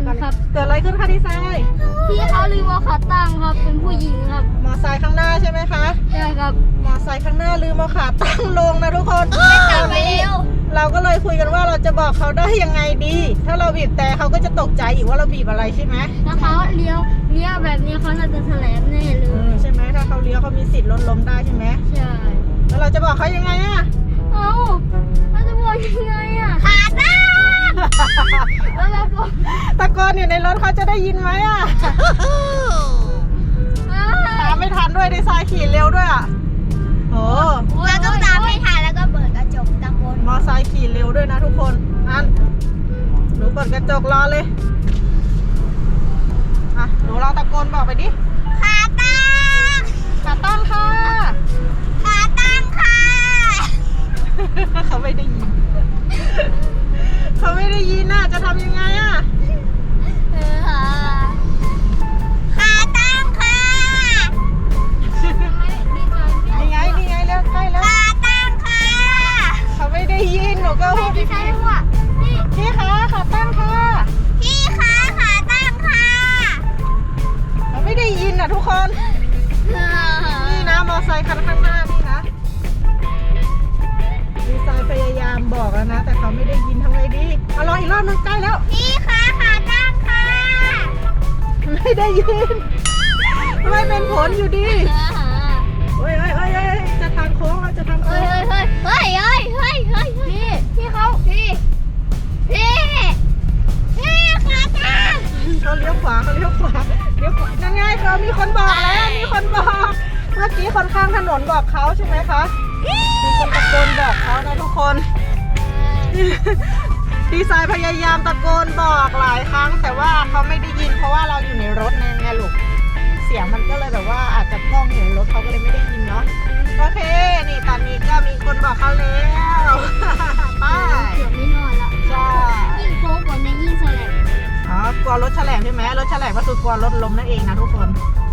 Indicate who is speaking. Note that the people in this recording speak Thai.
Speaker 1: ครับ
Speaker 2: เกิดอะไรขึ้นคะดีไซน์
Speaker 1: พี่เขาลืมเอาขาตั้งครับเป็นผู้หญิงครับ
Speaker 2: มอไซค์ข้างหน้าใช่ไหมคะ
Speaker 1: ใช่ครับ
Speaker 2: มอไซค์ข้างหน้าลืมเอาขาตั้งลงนะทุกคน
Speaker 1: กลับไปเร็ว
Speaker 2: เราก็เลยคุยกันว่าเราจะบอกเขาได้ยังไงดี ถ้าเราบีบแต่เขาก็จะตกใจอีกว่าเราบีบอะไรใช่ไหม
Speaker 1: ถ้าเขาเลี้ยวแบบนี้เขาน่าจะแถลงแน่เลย
Speaker 2: ใช่ไหมถ้าเขาเลี้ยวเขามีสิทธิ์รถล้มได้ใช่ไหม
Speaker 1: ใช่
Speaker 2: แล้วเราจะบอกเขายังไงอะ
Speaker 1: เอาเราจะบอกยังไงอ่ะขาตั้งแล้วเราบอก
Speaker 2: ตะโกนอยู่ในรถเขาจะได้ยินไหมอะตามไม่ทันด้วยดีไซน์ขี่เร็วด้วยอะโอ้
Speaker 1: เราต้องตามไม่ทันแล้วก็เปิดกระจกตะโกน
Speaker 2: มอไซค์ขี่เร็วด้วยนะทุกคนอันหนูเปิดกระจกรอเลยอ่ะหนูลองตะโกนบอกไปดิ
Speaker 1: ขาตั้ง
Speaker 2: ขาตั้งค่ะ
Speaker 1: ขาตั้งค่ะ
Speaker 2: เขาไม่ได้ยิน เขาไม่ได้ยินน่ะจะทำยังไงอะ
Speaker 1: ขาตั้งค่ะ
Speaker 2: นี่ไงนี่ไงเร็วใกล้แล้ว
Speaker 1: ขาตั้งค่ะ
Speaker 2: เขาไม่ได้ยินหนูก็พูด
Speaker 1: พี่ใช่ว่า
Speaker 2: พี่คะขาตั้งค่ะ
Speaker 1: พี่คะขาตั้งค่ะ
Speaker 2: เขาไม่ได้ยินน่ะทุกคนนี่นะมอไซค์คันข้างหน้านี่นะดีไซน์พยายามบอกแล้วนะ แต่เขาไม่ได้ยินทำไงดีเอาลองอีกรอบนึงใกล้แล้ว
Speaker 1: พี่คะขาตั้งค่ะ
Speaker 2: ไม่ได้ยินไม่เป็นผลอยู่ดีเฮ้ยจะทางโค้งแล้วจะทางโค้
Speaker 1: เฮ้ย
Speaker 2: ง
Speaker 1: เฮ้ยเฮ้ยเฮ้ยเฮ้ยเฮ้ยเฮ้ยพี่เขาพี่ขาตั้ง
Speaker 2: เขาเลี้ยวขวาเลี้ยวขวานั่นไงเขามีคนบอกแล้วมีคนบอก เมื่อกี้คนข้างถนนบอกเขาใช่ไหมคะมีคนตะโกนบอกเขานะทุกคน ดีไซน์พยายามตะโกนบอกหลายครั้ง แต่ว่าเขาไม่ได้ยินเพราะว่าเราอยู่ในรถไงลูกเสียงมันก็เลยแบบว่าอาจจะกล้องอยู่ในรถเขาก็เลยไม่ได้ยินเนาะโอเคนี่ตอนนี้ก็มีคนบอกเขาแล้วไป
Speaker 1: เกือบไม่นอนละ
Speaker 2: ใช่
Speaker 1: ยิ่งโค้งกว่าในยิ่งแสลง
Speaker 2: อ๋อกลัวรถแฉลบใช่ไหมรถแฉลบก็คือกลัวรถล้มนั่นเองนะทุกคน